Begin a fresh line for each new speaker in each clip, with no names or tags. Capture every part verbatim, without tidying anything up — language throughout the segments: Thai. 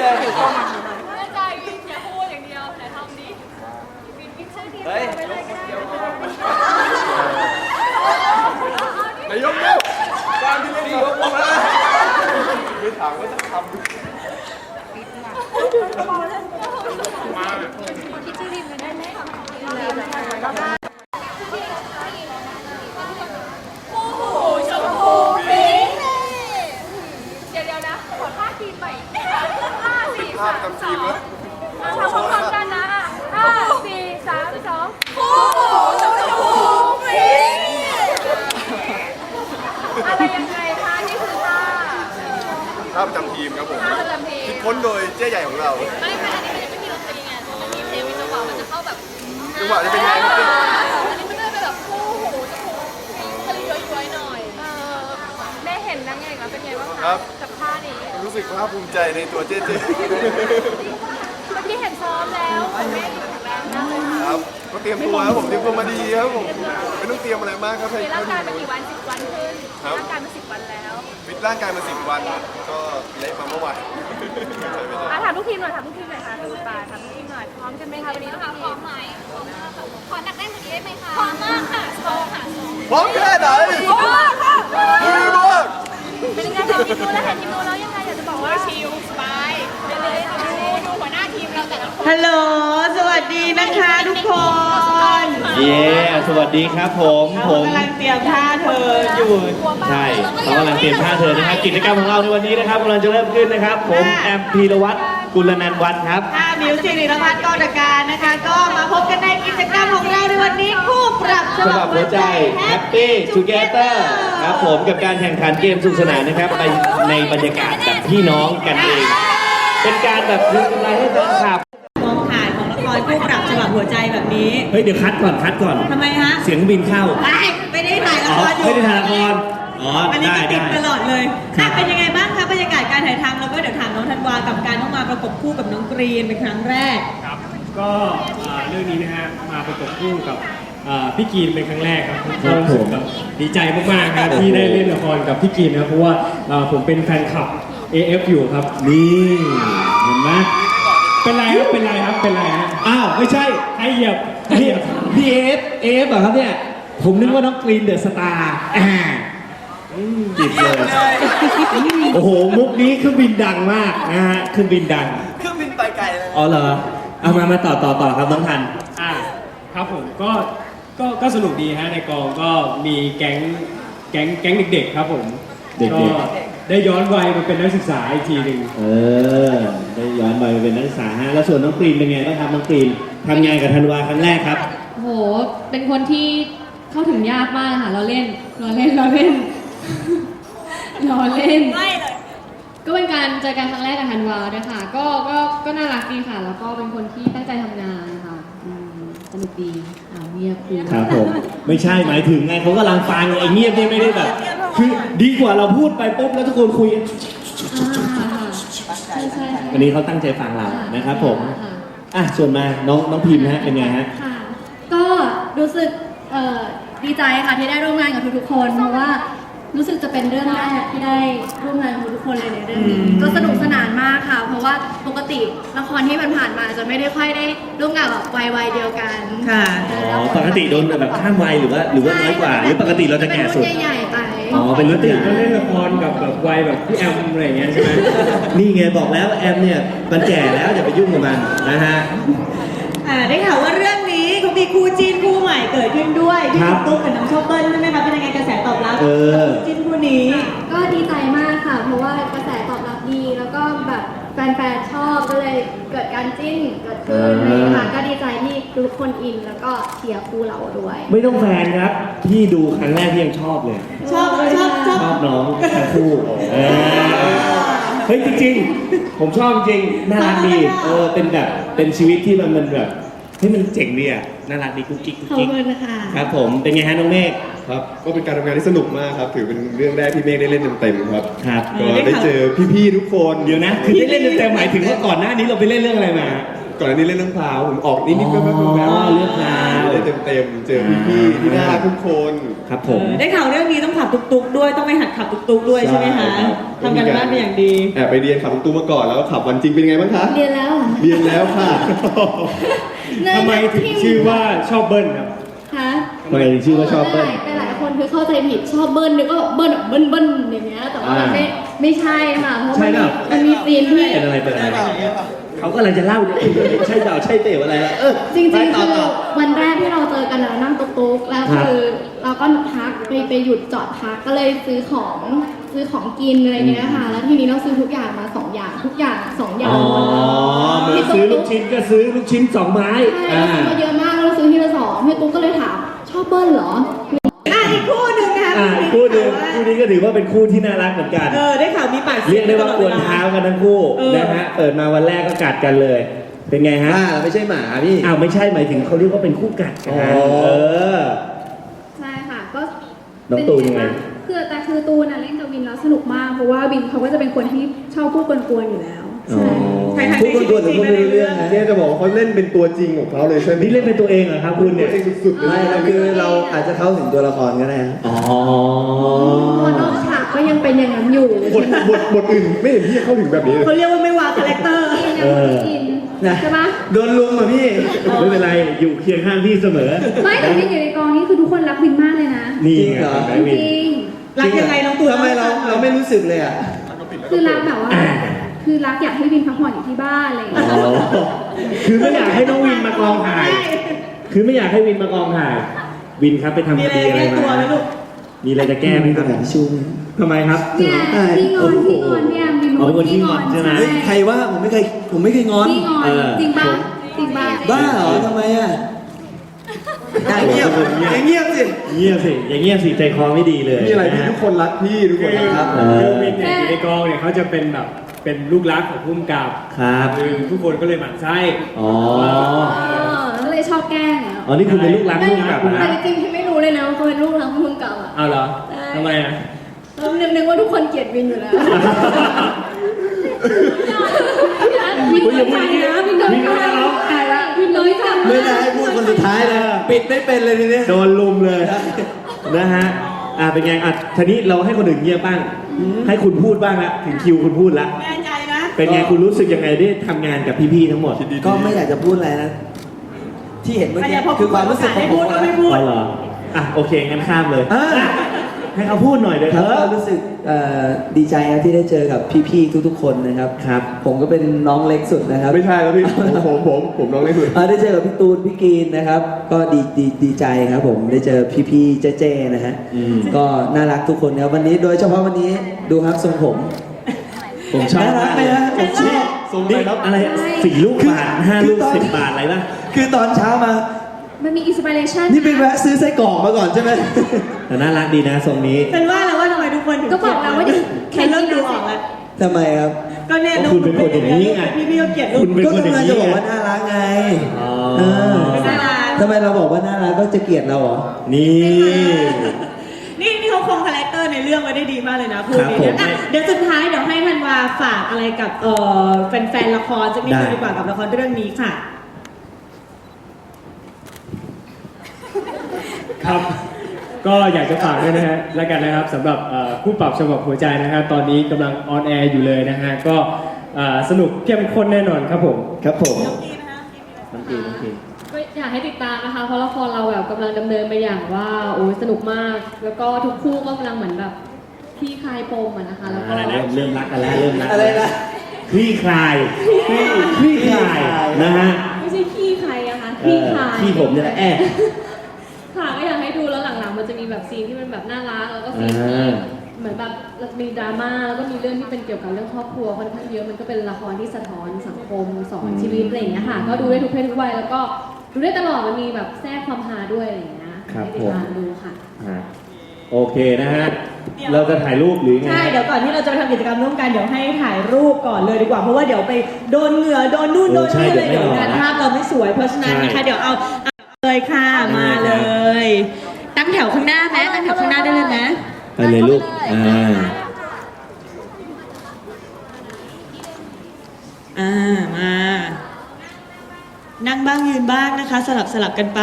เลย
ไม่ใจวินอย่าพูดอย่างเดียวแต่ทำดิวินวินชื่อทีม
เฮ้ย
ไปเลยก็ได้
นายกเร็วการที่เล่นยกมาไม่ถามว่าจะทำมาแบบ
คิดชื่อทีมกันได้ไหมโอ้โหชมพูฟิงเดี๋ยวเดี๋ยวนะขอท่าทีมใหม่ห้าสี่สามสองทำพร้อมกันนะห้าสี่สามสองโอ้โหชมพูฟิงอะไรยังไงคะนี่คือท่า
ท่าประจำทีมครับผม
ท่าประจำทีม
คิดค้นโดยเจ๊ใหญ่ของเรา
ไม่ไม่อันนี้มันยังไม่มีดนตรีไงมันมีเพลงมีจังหวะมันจะเข้าแบบ
จังหวะจะเป็นไงครับ
อันนี้มันจะเป็นแบบคู่หูจะคู่ทะเลย้อยๆหน่อยได้เห็นนางเอกแล้วเป็นไงบ้างคะกับท่านี้
รู้สึกภาคภูมิใจในตัวเจ๊เจ๊
เมื่อกี้เห็นซ้อมแล้วแม่แข็งแรงมากเลยค่ะ
ครับก็เตรียมตัวครับผมเตรียมตัวมาดีครับผมไม่ต้องเตรียมอะไรมากครับ
มีร่างกายมากี่วันสิบวันขึ้นร่างกายมาสิบวันแล้ว
ฟิตร่างกายมาสิบวันก็เละมาเมื่อวาน
อ่ะถามทุกทีมหน่อยถามทุกทีมหน่อยค่ะคุณปาถามทุกทีมหน่อยพร้อมกันไหมคะวันนี้ทุกทีมพร้อมไหมพร้อมมากค่ะขอหนักแน่นกว่านี้ได้ไหมคะพร้อมมากค่ะโซค่ะโซ
พร้อมแค่ไหน
พร้อมมากค่ะ
มือมาก
เป็นยังไงเห็นทีมนู้นแล้วเห็นทีมนู้นแล้วยังไงอยากจะบอกว่าชิลสบายไปเลยค่ะดูดูหัวหน้าทีมเราแต่ละคน
ฮัลโหล สวัสดีนะคะทุกคน
เย้สวัสดีครับผมผ
เขา
ม
กำลังเตรียมท่าเธออยู่
ใช่เขากำลังเตรียมท่าเธอนะครับกิจกรรมของเราในวันนี้นะครับกำลังจะเริ่มขึ้นนะครับ ผมแอมพีรวัตรกุลนันท์วัฒน์ครับ
ท่ามิวสิกนิรพัฒน์กอตการนะคะ ก็มาพบกันในกิจกรรมของเราในวันนี้คู่ปรับฉ
สำห
บั
รั
บบ
หัวใจ Happy Together ครับผมกับการแข่งขันเกมสนุกสนานนะครับไปในบรรยากาศแบบพี่น้องกันเอง เป็นการแบบคืนกำไรให้แฟนคลับ
มองถ่ายของละครคู่ปรับฉบับหัวใจแบบนี้
เฮ้ยเดี๋ยวคัดก่อนคัดก่อน
ทำไมฮะ
เสียงบินเข้า
ไม่ไม่ได้ถ่ายละ
อ๋อ
ครอยู่
ไม่ได้ถ่ายละครอ๋อ
อันนี้
ได้
ก็ติด
ได้
ตลอดเลย
ครั
อ่ะ
บ
เป็นยังไงบ้างคะบรรยากาศการถ่ายทำแล้วก็เดี๋ยวถามน้องธันวากับการต้องมาประกบคู่กับน้องกรีนเป็นครั้งแรก
ครับก็อ่าเรื่องนี้นะฮะมาประกบคู่กับอ่าพี่กีนเป็นครั้งแรกครับก็รู้สึกแบบดีใจมากๆครับที่ได้เล่นละครกับพี่กีนนะครับเพราะว่าอ่าผมเป็นแฟนคลับ เอ เอฟ อยู่ครับ
นี่เห็นไหม
เป็นไรครับเป็นไรครับเป็นไรฮะ
อ้าวไม่ใช่
ให้เหยียบให้
พี่
เหยียบ
พี่เอฟเอฟเหรอครับเนี่ย ผมนึกว่าน้องกรีนเดอะสตาร์อ่าจิบเลย โอ้โห มุกนี้เครื่องบินดังมากนะฮะเครื่องบินดัง
เครื่องบินไปไกลเลย
อ๋อเหรอ เอามามาต่อต่อต่อครับน้องทัน
อ่าครับผมก็ก็ก็สนุกดีฮะในกองก็มีแก๊งแก๊งแก๊งเด็กๆครับผม
เด็กๆ
ก็ได้ย้อนวัยมาเป็นนักศึกษาอีกทีหนึ่ง
เออ ได้ย้อนไปเป็นนักศึกษาฮะ แล้วส่วนน้องกรีนเป็นไงบ้างครับน้องกรีนทำงานกับธันวาครั้งแรกครับ
โห เป็นคนที่เข้าถึงยากมากค่ะ เราเล่น เราเล่น เราเล่น เราเล่น
ไม่เลย
ก็เป็นการเจอกันครั้งแรกกับธันวาด้วยค่ะ ก็ ก็ ก็น่ารักดีค่ะ แล้วก็เป็นคนที่ตั้งใจทำงานค่ะอืมสนุกดีอ่าเงียบคุย
ครับผม ไม่ใช่หมายถึงไงเขากำลังฟังไอ้เงียบนี่ไม่ได้แบบ คือดีกว่าเราพูดไปปุ๊บแล้วทุกคนคุยกัน
อ่าค่ะใช่ใช่ค่ะ
วันนี้เขาตั้งใจฟังเรานะครับผม
ค่ะ
อ่ะส่วนมาน้องน้องพิมพ์ฮะเป็นไงฮะ
ค่ะ ก็รู้สึกเอ่อดีใจค่ะที่ได้ร่วมงานกับทุกๆคน เพราะว่ารู้สึกจะเป็นเรื่องแรกที่ได้ร่วมงานกับทุกๆคนเลยในเรื่องนี้ก็สนุกสนานมากค่ะ เพราะว่าปกติละครที่มันผ่านมาจะไม่ได้ค่อยได้ร่วมงานแบบวัยวัยเดียวกัน
ค่ะ
อ๋อปกติโดนแบบข้ามวัยหรือว่าหรือว่าน้อยกว่า หรือปกติเราจะแก่สุด
เป็นรุ่นใหญ่ๆไป
อ๋อเป็น
ป
รุ่
ก
น
ติ
ใหญ่
ก็เล่นละครกับแบบวัยแบบพี่แอมอะไรอย่างเงี้ยใช่ไหม
นี่ไงบอกแล้วแอมเนี่ยมันแก่แล้วอย่าไปยุ่งกับมันนะฮะ
อ่าได้ข่าวว่าเรื่องนี้เขามีคู่จิ้นคู่ใหม่เกิดขึ้นด้วยที่
ครับ
ตุ๊กกับน้องโชคเบิ้ลใช่ไหมคะเป็นยังไงกระแสตอบรับ
เออ
กับคู่จิ้นคู่นี้
ก็ดีใจมากค่ะ เพราะว่ากระแสตอบรับดี แล้วก็แบบแฟนๆชอบก็เลยเกิดการจิ้นเกิดขึ้นอะไรอย่างเลยค่ะ ก็ดีใจที่ทุกคนอินแล้วก็เชียร์คู่เราด้วย
ไม่ต้องแฟนครับ พี่ดูครั้งแรกพี่ยังชอบเลย
ชอบชอบชอบ
ชอบน้องทั้งคู่เออเฮ้ยจริงๆ ผมชอบจริงน่ารักดี เออเป็นแบบเป็นชีวิตที่มันมันแบบเฮ้ยมันเจ๋งดีอ่ะน่ารักดีกุ๊กกิ๊กกุ๊ก
ขอบ
กิ๊ก
คุณนะคะ
ครับผมเป็นไงฮะน้องเมฆ
ครับก็เป็นการทำงานที่สนุกมากครับ ถือเป็นเรื่องแรกที่เมฆได้เล่นเต็มๆครับ
ครับ
ก็ได้เจอพี่ๆทุกคน
เดี๋ยวนะคือได้เล่นเต็มๆหมายถึงว่าก่อนหน้านี้เราไปเล่นเรื่องอะไรมา
กก่อนหน้านี้เล่นเรื่องพราวผมออกนิดๆแป๊บๆแป๊บ
อ๋อ
ๆ
เรื่องราว
ได้เต็มๆเจอพี่ๆที่น่ารักทุกคน
ครับผม
ได้ข่าวเรื่องนี้ต้องขับตุกๆด้วยต้องไปหัดขับตุกๆด้วยใช่ไหมคะ
ใช่ครับ
ทำกันบ้านเป็นอย่างดี
แอบไปเรียนขับรถตู้มาก่อนแล้วก็ขับวันจริงเป็นไงบ้างคะ
เรียนแล้วเหรอ
เรียนแล้วค่ะ
ทำไมถึงชื่อว่าชอบเบิ้ลครับ
คะ
ทำไมถึงชื่อว่าชอบเบิ้ล
แต่หลายคนคือเข้าใจผิดชอบเบิ้ลนึกว่าเบิ้ลแบบเบิ้ลเบิ้ลอย่างเงี้ยแต่ว่ามันไม่ไม่ใช่ค่ะเพราะ
ใช่
มัน
เป
มี
ล่า
มันมีซีนที่
เป็นอะไรเป็นอะไรเขากำลังจะเล่าเนี่ยใช่เปล่าใช่เต๋ออะไรล่ะเออ
จริง
ไป
ๆ
ต่อ
คือ
ต่อ
วันแรกที่เราเจอกันเรานั่งตุ๊กๆแล้ว
ครับ
คือเราก็พักไปไปหยุดจอดพักก็เลยซื้อของซื้อของกินอะไรเงี้ยค่ะแล้วทีนี้เราซื้อทุกอย่างมาสองอย่างทุกอย่างสองอย่าง
อ๋อเหมือนซื้อลูกชิ้นก็ซื้อลูกชิ้นสองไม้
ใช่
อ่า
เราซื้อมาเยอะมากเราซื้อทีละสองพี่ตุ๊กก็เลยถามชอบเบิ้ลเหรอ
อ่ะอีกคู่หนึ่งนะคะ
อ่าคู่หนึ่งคู่นี้ก็ถือว่าเป็นคู่ที่น่ารักเหมือนกัน
เออได้ข่าวมีปาก
เรียกได้ว่ากวนเท้ากันทั้งคู่
เออ
นะฮะเปิดมาวันแรกก็กัดกันเลย เป็นไงฮะ
บ้าเราไม่ใช่หมาพี่
อ้าวไม่ใช่หมายถึงเขาเรียกว่าเป็นคู่กัดกัน
อ๋อ
เออ
ใช่ค่ะก็
น้องตูนยังไง
คือแต่คือตูนน่ะเล่นกับวินแล้วสนุกมากเพราะว่าวินเขาก็จะเป็นคนที่ชอบพูดกวนๆอยู่แล้ว
อ๋อ
ใครๆ
พูดคนตัวแต่พูดไม่รู้เรื่องนะเนี่ยจะบอกว่าเขาเล่นเป็นตัวจริงของเขาเลยใช่ไหม
นี่เล่นเป็นตัวเองเหรอครับคุณ
ตั
เนี่
วย จริงสุดๆเลย
ไม่ครับคือเราอาจจะเข้าถึงตัวละครก็ได้นะ
อ๋อ
ตัวนอกฉากก็ยังเป็นอย่างนั้นอยู่
บทบทบทอื่นไม่เห็นพี่เข้าถึงแบบนี้เลย
เขาเรียกว่าไม่วางคาแรคเตอร์
ยังไม่อิน
นะ
ใช่ปะ
โดนลุมอ่ะพี่
ไม่เป็นไรอยู่เคียงข้างพี่เสมอ
ไม่แต่วินอยู่ในกองนี้คือทุกคนรักวินมากเลยนะ
นี่
จริง
ไง
เหรอ
เห็นไหม
จ
วิน
ริง
รักยังไงน้องตูน
ทำไมเราเราไม่รู้สึกเลยอ่ะ
ๆคือรักแบบว่า คือรักอยากให้วินพักผ่อนอยู่ที่บ้านอะไรอย่างเงี้ย
อ๋อคือไม่อยากให้น้องวินมากองถ่าย คือไม่อยากให้วินมากองถ่าย วินครับไปทำ
มี
ค
อะไร
ดีอะไร
แก้ตัว
มา
ไหมลูก
มีอะไรจะแก้ไหมครับ
กระดาษทิชชู่ไหม
ทำไมครับ
เนี่ยที่งอนที่งอนเนี่ยวิน
อ๋อเป็นคนขี้งอนใช่ไหม
เฮ้ยใครว่าผมไม่เคยผมไม่เคยงอน
ที่งอน
เออ
จริงปะจริงปะ
บ้าเหรอทำไมอ่ะอย่าเงียบอย่าเงียบสิ
เงียบสิ อย่างเงียบสิใจคอไม่ดีเลย
มีอะไรพี่
นฮ
ทุกคนรักพี่ทุกคนรักครับ
เออ
คือวินเนี่ยอยู่ในกองเนี่ยเขาจะเป็นแบบเป็นลูกรักของผู้กำกับ
ครับ
คือทุกคนก็เลยหมั่นไส้
อ๋อ
เออก็เลยชอบแกล้งอ่ะ
อ๋อ นี่คุณเป็นลูกรัก
แต่
ลูกกับนะ
จริงๆพี่ไม่รู้เลยนะว่าเขาเป็นลูกรักมึงเก่าอ่ะ
เอาเหรอ
ใช่
ทำไมอ่ะ
เรานึกนึกว่าทุกคนเกลียดวินอยู่แล้ววิน
อุ๊ยอย่าพูดอย่างนี้
นะวินโดน
วินโดนน้อง
ตายละวินโดนจับ
ไม่ได้ให้พูดคนสุดท้ายเลย ปิดไม่เป็นเลยทีเนี้ย
โดนลุมเลย นะฮะ อ่าเป็นไง อ่ะทีนี้เราให้คนอื่นเงียบบ้าง ให้คุณพูดบ้างละถึงคิวคุณพูดละ
แน่ใจนะ
เป็นไงคุณรู้สึกยังไงได้ทำงานกับพี่ๆทั้งหมด
ก็ไม่อยากจะพูดอะไรนะ ที่เห็นเมื่อ
อัน
กี้
นี้พอ
คือความรู้สึกของ
ให้
ผ
พู
ม
ดก็
นะ
ไม่พูด
อ๋อเหรอ อ่ะโอเคงั้นข้ามเลย
อ่ะ
ให้เขาพูดหน่อยเดี๋ยว
ค
เถ
รับก็
อะ
รู้สึกเอ่อดีใจครับที่ได้เจอกับพี่ๆทุกๆคนนะครับ
ครับ
ผมก็เป็นน้องเล็กสุดนะครับ
ไม่ใช่แล้วพี่ผมผมผมผมน้องเล็กสุด
อ่าได้เจอกับพี่ตูนพี่กรีนนะครับ ก็ดีดีดีใจครับผมได้เจอพี่ๆเจ๊ๆนะฮะ
อืม
ก็น่ารักทุกคนครับวันนี้โดยเฉพาะวันนี้ดูครับทรงผม
ผมชอบ
น่ารักไหมฮะผมชอบ
ทรง
นี่
อะไรครับ
อะไรสี่ลูกบาทห้า
คือ
ลูก
ตอน
สิบบาทอะไรป่ะ
คือตอนเช้ามา
มันมีอินสปิเรชัน
นี่ไปแวะซื้อไส้กรอกมาก่อนใช่ไหม
แต่น่ารักดีนะทรงนี้
เป็นว่าแล้วว่าทำไมทุกคนถึง
ก็บอกแล้วว่าเดี๋ยว
แค่เริ่มดูออกแล้ว
ทำไมครับ
ก็เนี่ย
เพราะคุณเป็นคนอย่างนี้ไง
พี่พี่ก็เกลียดลู
คุ
ก
ณเป็น
ก็
คนอย่าง
กำลัง
นี้
จะบอก
ไง
ว่าน่ารักไง
อ๋อ
เออ
น่ารัก
ทำไมเราบอกว่าน่ารักก็จะเกลียดเราเหรอ
นี่
นี่นี่เขาคงคาแรคเตอร์ในเรื่องไว้ได้ดีมากเลยนะคู่
ครับ
นี้
ผม
อ่ะเดี๋ยวสุดท้ายเดี๋ยวให้ธันวาฝากอะไรกับเอ่อแฟนๆละครสักนิดนึง
ได้
ดีกว่ากับละครเรื่องนี้ค่ะ
ครับ ก็อยากจะฝากด้วยนะฮะแล้วกันนะครับสำหรับเอ่อคู่ปรับฉบับหัวใจนะครับตอนนี้กำลังออนแอร์อยู่เลยนะฮะก็เอ่อสนุกเข้มข้นแน่นอนครับผม
ครับผมน้องกีน้องกี
ก็อยากให้ติดตามนะคะ เพราะละครเราแบบกำลังดำเนินไปอย่างว่าโอ้ยสนุกมาก แล้วก็ทุกคู่ก็กำลังเหมือนแบบคลี่คลายปมอะนะคะ แล้วก็
อะไรนะเริ่มรักกันแล้วเริ่มรัก
อะไรนะ
คลี่คลายคลี่คลี่คลายนะฮะ
ไม่ใช่ขี้ใครอะคะค
เอ
ลี่
อ
คลาย
ที่ผมเนี่ยแหละแอบ
ค่ะก็อยากให้ดูแล้วหลังๆมันจะมีแบบซีนที่มันแบบน่ารักแล้วก็ซีนที่
อ่า
เหมือนแบบมีดราม่าแล้วก็มีเรื่องที่เป็นเกี่ยวกับเรื่องครอบครัวค่อนข้างเยอะมันก็เป็นละครที่สะท้อนสังคมสอนชีวิตอะไรอย่างเงี้ยค่ะก็ดูได้ทุกเพศทุกวัยแล้วก็ดูได้ตลอดมันมีแบบแทรกความฮาด้วยอะไรอย่างเงี้ย
ครับ
ให้ติ
ผ
ด
ม
ตามดูค่ะ
อ่ะโอเคนะฮะ เราจะถ่ายรูปหรือไง
ใช่ เดี๋ยวก่อนที่เราจะไปทำกิจกรรมร่วมกันเดี๋ยวให้ถ่ายรูปก่อนเลยดีกว่า เพราะว่าเดี๋ยวไปโดนเหงื่อโดนนู่นโดนนี่เลยเดี๋ยวงานภาพเราไม่สวย เพราะฉะนั้นนะคะเดี๋ยวเอาเอาเลยค่ะมาเลย ตั้งแถวข้างหน้าไหมตั้งแถวข้างหน้าได้เลยไหม
ไปเลยลูก อ่า
อ่ามานั่งบ้างยืนบ้างนะคะ สลับสลับกันไป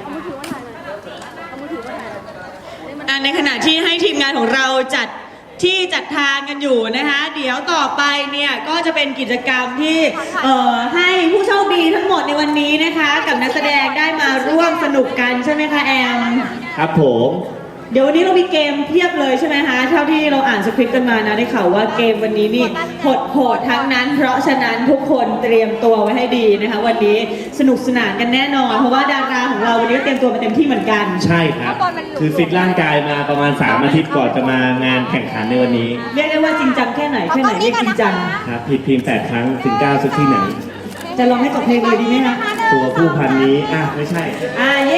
อ่ะในขณะที่ให้ทีมงานของเราจัดที่จัดทางกันอยู่นะคะ เดี๋ยวต่อไปเนี่ยก็จะเป็นกิจกรรมที่เอ่อให้ผู้โชคดีทั้งหมดในวันนี้นะคะ กับนักแสดงได้มาร่วมสนุกกันใช่ไหมคะแอม
ครับผม
เดี๋ยววันนี้เรามีเกมเพียบเลยใช่ไหมคะเท่าที่เราอ่านสคริปต์กันมานะได้ข่าวว่าเกมวันนี้นี่โหดๆทั้งนั้น เพราะฉะนั้นทุกคนเตรียมตัวไว้ให้ดีนะคะ วันนี้สนุกสนานกันแน่นอน เพราะว่าดาราของเราวันนี้ก็เตรียมตัวมาเต็มที่เหมือนกัน
ใช่ครับ คือฟิตร่างกายมาประมาณสามอาทิตย์ก่อนจะมางานแข่งขันในวันนี้
เรียกได้ว่าจริงจังแค่ไหนแค่ไหนเรียกจริงจัง
ครับผิดเพียงแปดครั้งถึงเก้าสุดที่ไหน
จะลองให้จบเพลงเลยดีไหมคะ
ตัวผู้พันนี้อ่ะไม่ใช่
อ่าเย้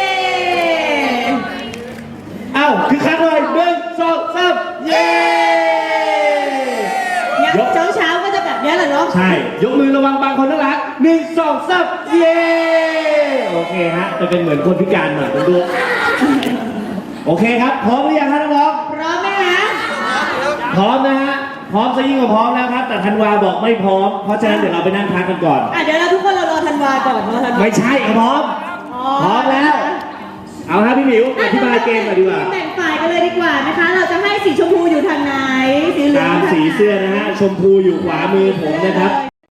เอ้าคือคักเลยหนึ่งสองสามเย้
งั้นเช้าเช้าๆก็จะแบบนี้แหละเนาะ
ใช่ ยกมือระวังบางคนน่ารักหนึ่งสองสามเย้โอเคฮะจะเป็นเหมือนคนพิการหน่อยคุณดูโอเคครับพร้อมหรือยังครับน้อง
พร้อมไหมคะ
ๆพร้อมนะฮะพร้อมซะยิ่งกว่าพร้อมแล้วครับแต่ธันวาบอกไม่พร้อมเพราะฉะนั้นเดี๋ยวเราไปนั่งพักกันก่อน
อ่ะเดี๋ยวเราทุกคนเรารอธันวาก่อนรอธันวา
ไม่ใช่ครับพร้อม พร้อมแล้ว เอาครับพี่หมิวอธิบายเกมหน่อยดีกว่า
แบ่งฝ่ายกันเลยดีกว่านะคะ เราจะให้สีชมพูอยู่ทางไหน สีเหลือง
ตาม
ทางไหน
สีเสื้อนะฮะชมพูอยู่ขวามือผมนะครับ